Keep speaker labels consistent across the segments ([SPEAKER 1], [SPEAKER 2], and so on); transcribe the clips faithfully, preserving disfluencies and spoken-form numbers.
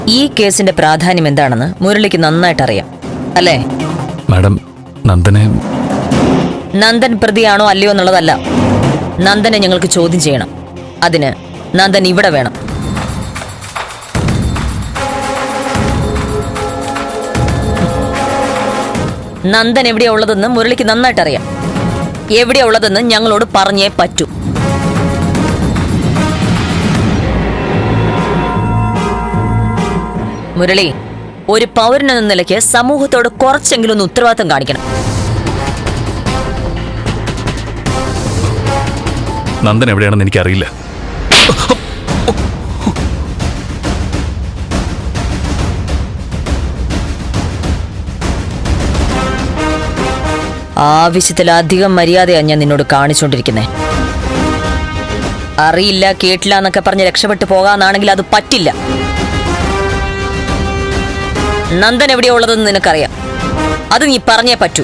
[SPEAKER 1] ഈ കേസിന്റെ പ്രാധാന്യം എന്താണെന്ന് മുരളിക്ക് നന്നായിട്ട് അറിയാം അല്ലേ?
[SPEAKER 2] മാഡം, നന്ദനെ
[SPEAKER 1] നന്ദൻ പ്രതിയാണോ അല്ലയോ എന്നുള്ളതല്ല, നന്ദനെ ഞങ്ങൾക്ക് ചോദ്യം ചെയ്യണം. അതിന് നന്ദൻ ഇവിടെ വേണം. നന്ദൻ എവിടെയാ ഉള്ളതെന്ന് മുരളിക്ക് നന്നായിട്ട് അറിയാം. എവിടെയാ ഉള്ളതെന്ന് ഞങ്ങളോട് പറഞ്ഞേ പറ്റൂ. മുരളി, ഒരു പൗരനെന്ന നിലയ്ക്ക് സമൂഹത്തോട് കുറച്ചെങ്കിലും ഒന്ന് ഉത്തരവാദിത്തം കാണിക്കണം.
[SPEAKER 2] നന്ദൻ എവിടെയാണെന്ന് എനിക്കറിയില്ല.
[SPEAKER 1] ആവശ്യത്തിലധികം മര്യാദയാണ് ഞാൻ നിന്നോട് കാണിച്ചുകൊണ്ടിരിക്കുന്നേ. അറിയില്ല കേട്ടില്ല എന്നൊക്കെ പറഞ്ഞ് രക്ഷപ്പെട്ടു പോകാന്നാണെങ്കിൽ അത് പറ്റില്ല. നന്ദൻ എവിടെയാ ഉള്ളതെന്ന് നിനക്കറിയാം. അത് നീ പറഞ്ഞേ പറ്റൂ.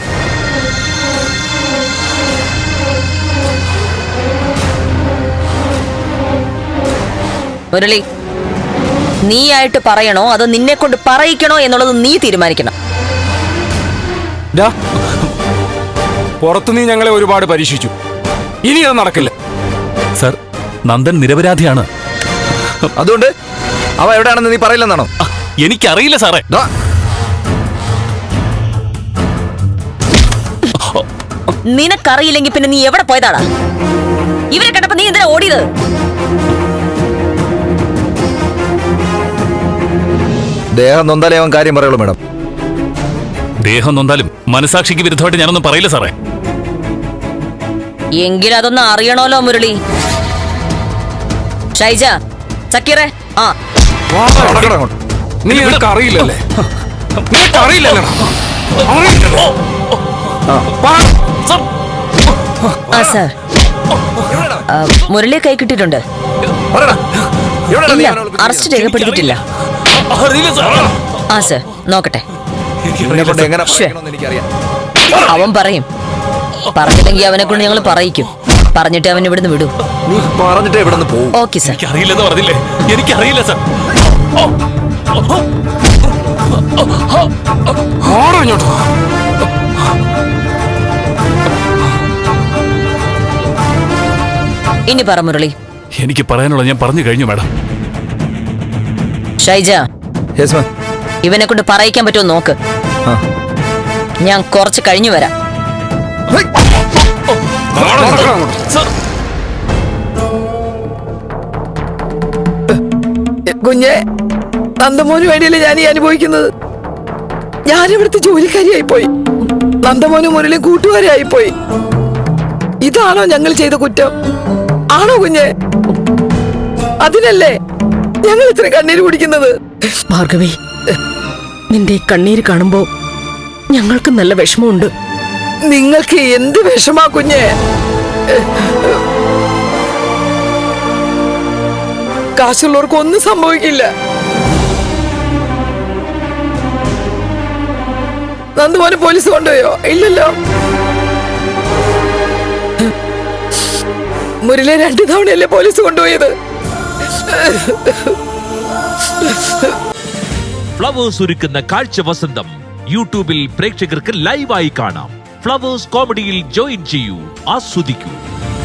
[SPEAKER 1] മുരളി, നീയായിട്ട് പറയണോ അതോ നിന്നെ കൊണ്ട് പറയിക്കണോ എന്നുള്ളത് നീ തീരുമാനിക്കണം.
[SPEAKER 3] പുറത്തു നീ ഞങ്ങളെ ഒരുപാട് പരീക്ഷിച്ചു, ഇനി അത് നടക്കില്ല.
[SPEAKER 2] സർ, നന്ദൻ നിരപരാധിയാണ്.
[SPEAKER 4] അതുകൊണ്ട് അവ എവിടെയാണെന്ന് നീ പറയില്ലെന്നാണോ?
[SPEAKER 2] എനിക്കറിയില്ല സാറേ.
[SPEAKER 1] നിനക്കറിയില്ലെങ്കിൽ പിന്നെ നീ എവിടെ പോയതാടാ? ഇവരെ കണ്ടപ്പോ നീ എന്തിനാ ഓടിയത്?
[SPEAKER 4] ദേഹം നൊന്താലേ അവൻ കാര്യം പറയുള്ളൂ മാഡം.
[SPEAKER 2] ദേഹം നൊന്താലും മനസാക്ഷിക്ക് വിരുദ്ധമായിട്ട് ഞാനൊന്നും പറയില്ല സാറേ.
[SPEAKER 1] എങ്കിലും അതൊന്ന് അറിയണമല്ലോ മുരളി. ഷൈജ, സക്കീറെ, ആ
[SPEAKER 3] നീ നിനക്ക് അറിയില്ലല്ലേ? നിനക്ക് അറിയില്ലല്ലോ.
[SPEAKER 1] ആ സാർ, മുരളിയെ കൈ കിട്ടിയിട്ടുണ്ട്. ഇല്ല, അറസ്റ്റ് രേഖപ്പെടുത്തിയിട്ടില്ല. ആ സാർ, നോക്കട്ടെ. അവൻ പറയും. പറഞ്ഞില്ലെങ്കിൽ അവനെ കൊണ്ട് ഞങ്ങൾ പറയിക്കും. പറഞ്ഞിട്ട് അവൻ ഇവിടുന്ന് വിടും.
[SPEAKER 4] നീ പറഞ്ഞിട്ട് ഇവിടുന്ന് പോകും.
[SPEAKER 1] Okay sir.
[SPEAKER 2] എനിക്കറിയില്ലെന്ന് പറഞ്ഞില്ലേ? എനിക്കറിയില്ല സാർ.
[SPEAKER 1] ഇനി പറ മുരളി.
[SPEAKER 2] എനിക്ക് പറയാനുള്ള ഞാൻ പറഞ്ഞു കഴിഞ്ഞു മാഡം.
[SPEAKER 1] ഷൈജ, ഇവനെ കൊണ്ട് പറയിക്കാൻ പറ്റുമോ നോക്ക്. ഞാൻ കുറച്ച് കഴിഞ്ഞു വരാം.
[SPEAKER 5] കുഞ്ഞെ, നന്ദമോന് വേണ്ടിയല്ലേ ഞാൻ ഈ അനുഭവിക്കുന്നത്. ഞാനിവിടുത്തെ ജോലിക്കാരിയായി പോയി. നന്ദമോനും മുരളിയും കൂട്ടുകാരിയായി പോയി. ഇതാണോ ഞങ്ങൾ ചെയ്ത കുറ്റം? ആണോ കുഞ്ഞെ? അതിനല്ലേ ഞങ്ങൾ ഇത്ര കണ്ണീര് കുടിക്കുന്നത്?
[SPEAKER 6] ഭാർഗവി, നിന്റെ കണ്ണീര് കാണുമ്പോ ഞങ്ങൾക്ക് നല്ല വിഷമമുണ്ട്.
[SPEAKER 5] നിങ്ങൾക്ക് എന്ത് വിഷമാ കുഞ്ഞെ? കാശുള്ളവർക്ക് ഒന്നും സംഭവിക്കില്ല. നന്ദുമോനെ പോലീസ് കൊണ്ടുപോയോ? ഇല്ലല്ലോ. മുരളിയെ രണ്ടു തവണയല്ലേ പോലീസ് കൊണ്ടുപോയത്?
[SPEAKER 7] ഫ്ലവേഴ്സ് ഒരുക്കുന്ന കാഴ്ച വസന്തം യൂട്യൂബിൽ പ്രേക്ഷകർക്ക് ലൈവായി കാണാം. ഫ്ലവേഴ്സ് കോമഡിയിൽ ജോയിൻ ചെയ്യൂ, ആസ്വദിക്കൂ.